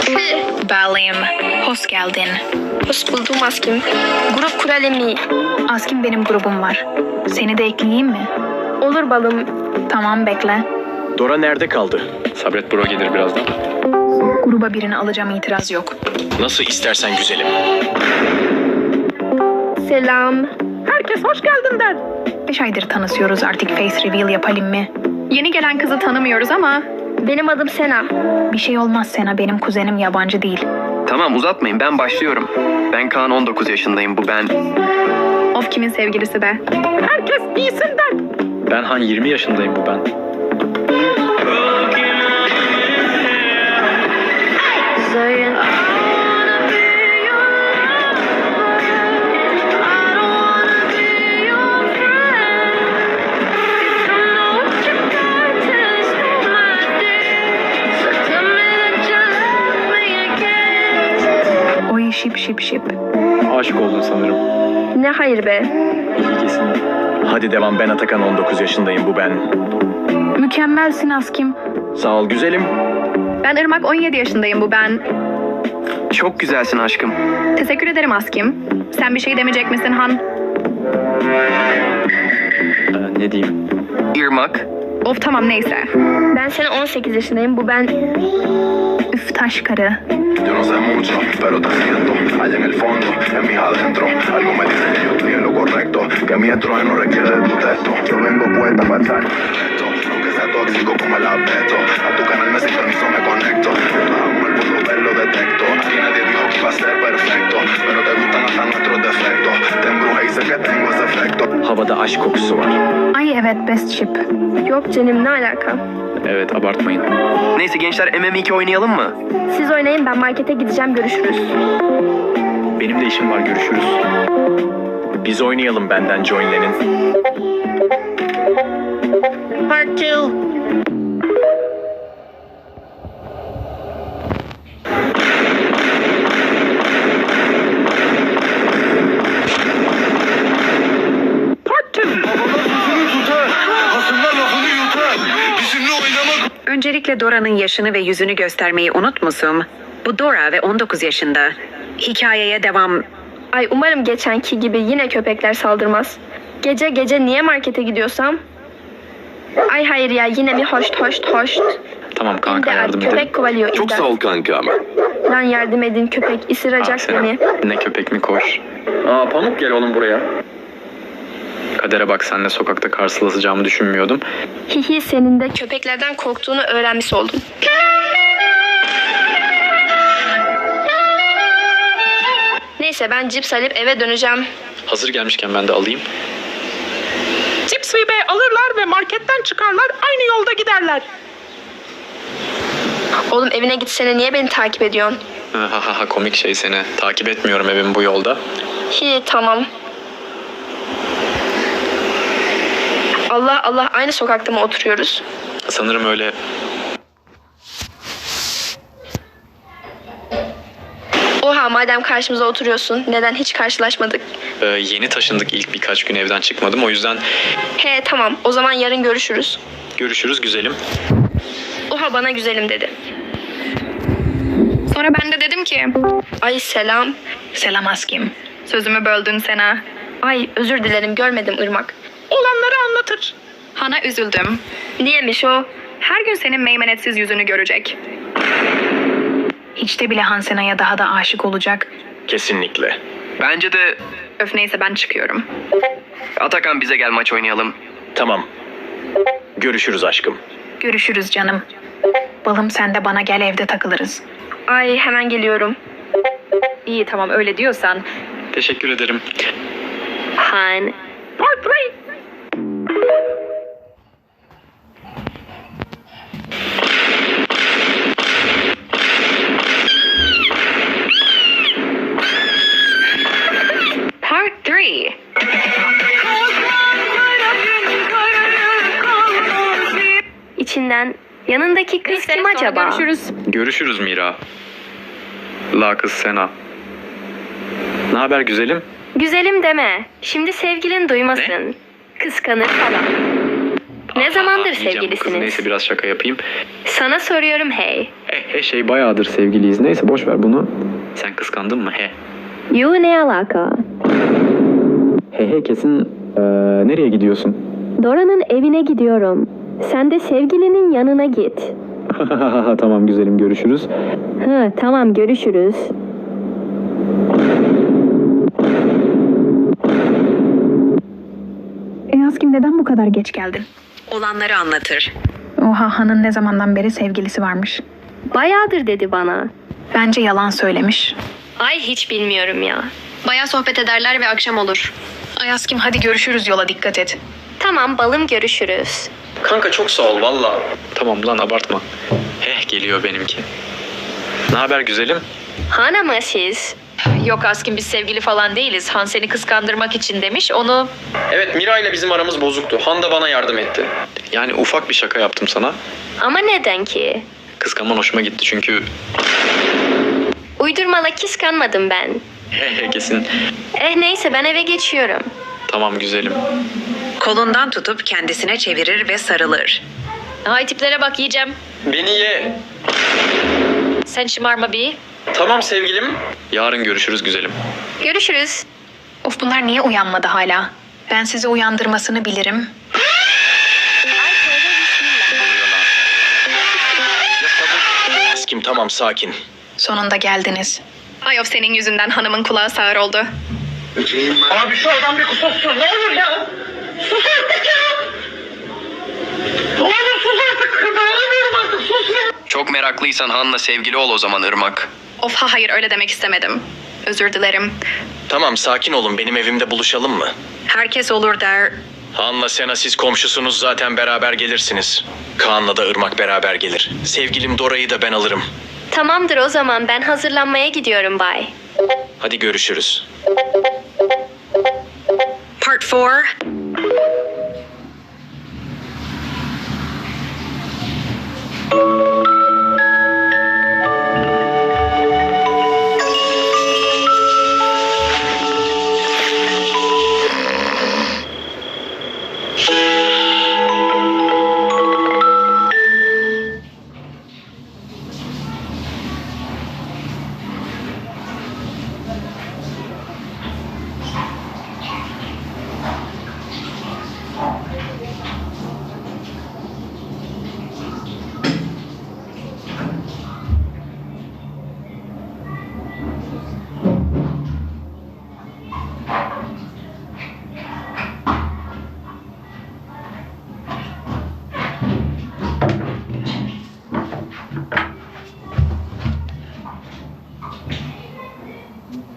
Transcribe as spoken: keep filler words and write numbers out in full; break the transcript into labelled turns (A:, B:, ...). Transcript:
A: Balım, hoş geldin.
B: Hoş buldum Askim. Grup kuralım mı?
A: Askim benim grubum var. Seni de ekleyeyim mi?
B: Olur balım.
A: Tamam bekle.
C: Dora nerede kaldı?
D: Sabret bro gelir birazdan.
A: Gruba birini alacağım, itiraz yok.
C: Nasıl istersen güzelim.
B: Selam.
A: Herkes hoş geldin der. Beş aydır tanışıyoruz, artık face reveal yapalım mı? Yeni gelen kızı tanımıyoruz ama...
B: Benim adım Sena.
A: Bir şey olmaz Sena, benim kuzenim, yabancı değil.
E: Tamam uzatmayın, ben başlıyorum. Ben Kaan, on dokuz yaşındayım, bu ben.
A: Of, kimin sevgilisi be? Herkes iyisin der.
D: Ben Han, yirmi yaşındayım, bu ben.
A: Oy şip şip şip.
D: Aşık oldun sanırım.
B: Ne hayır be.
D: İlgisini.
C: Hadi devam, ben Atakan, on dokuz yaşındayım, bu ben.
A: Mükemmelsin Askim.
C: Sağ ol güzelim.
A: Ben Irmak, on yedi yaşındayım, bu ben.
E: Çok güzelsin aşkım.
A: Teşekkür ederim Askim. Sen bir şey demeyecek misin Han?
D: Ee, ne diyeyim?
E: Irmak.
A: Of tamam, neyse.
B: Ben Sena, on sekiz yaşındayım. Bu ben.
A: Üf, taş karı.
F: Yo no sé mucho, pero te siento allá en el fondo, en mis adentro. Algo me dice que yo estoy en lo correcto, que mi estruje no requiere de tu texto. Yo vengo puesta para estar perfecto, aunque sea tóxico como el asbesto. A tu canal me sintonizo, me conecto. Amo el mundo, verlo detecto. Aquí nadie dijo que iba a ser perfecto, pero te gustan hasta nuestros defectos. Te embrujé y sé que tengo ese efecto.
C: Havada aşk kokusu var.
A: Ay evet, best ship.
B: Yok canım, ne alaka?
D: Evet, abartmayın.
E: Neyse gençler, M M iki oynayalım mı?
B: Siz oynayın, ben markete gideceğim, görüşürüz.
D: Benim de işim var, görüşürüz.
C: Biz oynayalım, benden joinlenin.
B: Part two.
G: Öncelikle Dora'nın yaşını ve yüzünü göstermeyi unutmuşum. Bu Dora ve on dokuz yaşında. Hikayeye devam.
B: Ay, umarım geçenki gibi yine köpekler saldırmaz. Gece gece niye markete gidiyorsam? Ay hayır ya, yine mi hoşt hoşt hoşt.
D: Tamam kanka,
B: İmdat,
D: yardım
B: köpek
D: edelim.
B: kovalıyor.
F: Çok
B: imdat.
F: sağ ol kanka ama.
B: Lan yardım edin, köpek
D: Aa,
B: ısıracak
D: Sena,
B: beni.
D: ne köpek mi koş. Aa Pamuk, gel oğlum buraya. Kadere bak, seninle sokakta karşılaşacağımı düşünmüyordum.
B: Hihi, senin de köpeklerden korktuğunu öğrenmiş oldum. Neyse, ben cips alıp eve döneceğim.
D: Hazır gelmişken ben de alayım.
H: Cips ve bey alırlar ve marketten çıkarlar, aynı yolda giderler.
B: Oğlum, evine gitsene, niye beni takip ediyorsun?
D: Ha ha ha, komik şey seni. Takip etmiyorum evim bu yolda.
B: Hi, tamam. Allah Allah, aynı sokakta mı oturuyoruz?
D: Sanırım öyle.
B: Oha, madem karşımıza oturuyorsun, neden hiç karşılaşmadık?
D: Ee, yeni taşındık, ilk birkaç gün evden çıkmadım. O yüzden
B: He tamam, o zaman yarın görüşürüz.
D: görüşürüz güzelim.
B: Oha, bana güzelim dedi.
A: Sonra ben de dedim ki...
B: Ay selam.
A: Selam Askim. Sözümü böldün Sena.
B: Ay özür dilerim, görmedim Irmak.
H: Olanları anlatır.
A: Han'a üzüldüm.
B: Niyemiş o?
A: Her gün senin meymenetsiz yüzünü görecek. Hiç de bile Han Sena'ya daha da aşık olacak.
C: Kesinlikle.
E: Bence de
A: Öf neyse, ben çıkıyorum.
E: Atakan, bize gel, maç oynayalım.
C: Tamam. Görüşürüz aşkım.
A: Görüşürüz canım. Balım, sen de bana gel, evde takılırız.
B: Ay hemen geliyorum.
A: İyi tamam, öyle diyorsan.
D: Teşekkür ederim.
B: Han.
H: Part three.
A: Part three.
B: İçinden yanındaki kız kim acaba?
A: Görüşürüz.
D: Görüşürüz Mira. La kız Sena. Ne haber güzelim?
B: Güzelim deme. Şimdi sevgilin duymasın. Kıskanır falan. Ne zamandır
D: Aa, yiyeceğim bu kızı.
B: sevgilisiniz?
D: Neyse, biraz şaka yapayım.
B: Sana soruyorum hey.
D: E He he şey bayağıdır sevgiliyiz. Neyse boş ver bunu. Sen kıskandın mı he?
B: Yuh ne alaka?
D: He he kesin eee, nereye gidiyorsun?
B: Dora'nın evine gidiyorum. Sen de sevgilinin yanına git.
D: Tamam güzelim görüşürüz.
B: Hı, tamam görüşürüz.
A: E Askim neden bu kadar geç geldin?
G: Olanları anlatır.
A: Oha Han'ın ne zamandan beri sevgilisi varmış.
B: Bayağıdır dedi bana.
A: Bence yalan söylemiş.
B: Ay hiç bilmiyorum ya.
A: Bayağı sohbet ederler ve akşam olur. Ay Askim hadi görüşürüz, yola dikkat et.
B: Tamam balım görüşürüz.
D: Kanka çok sağ ol valla. Tamam lan abartma. Heh geliyor benimki. Ne haber güzelim?
B: Hana mı siz?
I: Yok Askin biz sevgili falan değiliz. Han seni kıskandırmak için demiş. Onu
D: Evet Mira ile bizim aramız bozuktu. Han da bana yardım etti. Yani ufak bir şaka yaptım sana.
B: Ama neden ki?
D: Kıskanman hoşuma gitti çünkü
B: Uydurmala kıskanmadım ben.
D: he he kesin.
B: Eh neyse ben eve geçiyorum.
D: Tamam güzelim.
G: Kolundan tutup kendisine çevirir ve sarılır.
I: hay tiplere bak yiyeceğim.
D: Beni ye.
I: Sen şımarma bir.
D: Tamam sevgilim. Yarın görüşürüz güzelim.
B: Görüşürüz.
A: Of bunlar niye uyanmadı hala? Ben sizi uyandırmasını bilirim.
C: Askim tamam sakin.
A: Sonunda geldiniz. Ay of senin yüzünden hanımın kulağı sağır oldu.
H: Abi şu adam bir kusursun. Ne olur ya. Sus artık ya. Oğlum sus artık. Dayanamıyorum artık. Sus ya.
E: Çok meraklıysan Han'la sevgili ol o zaman Irmak.
A: Of ha hayır öyle demek istemedim. Özür dilerim.
C: Tamam sakin olun, benim evimde buluşalım mı?
G: Herkes olur der.
C: Han'la Sena siz komşusunuz, zaten beraber gelirsiniz. Kaan'la da Irmak beraber gelir. Sevgilim Dora'yı da ben alırım.
B: Tamamdır o zaman ben hazırlanmaya gidiyorum bay.
C: Hadi görüşürüz.
G: Part four.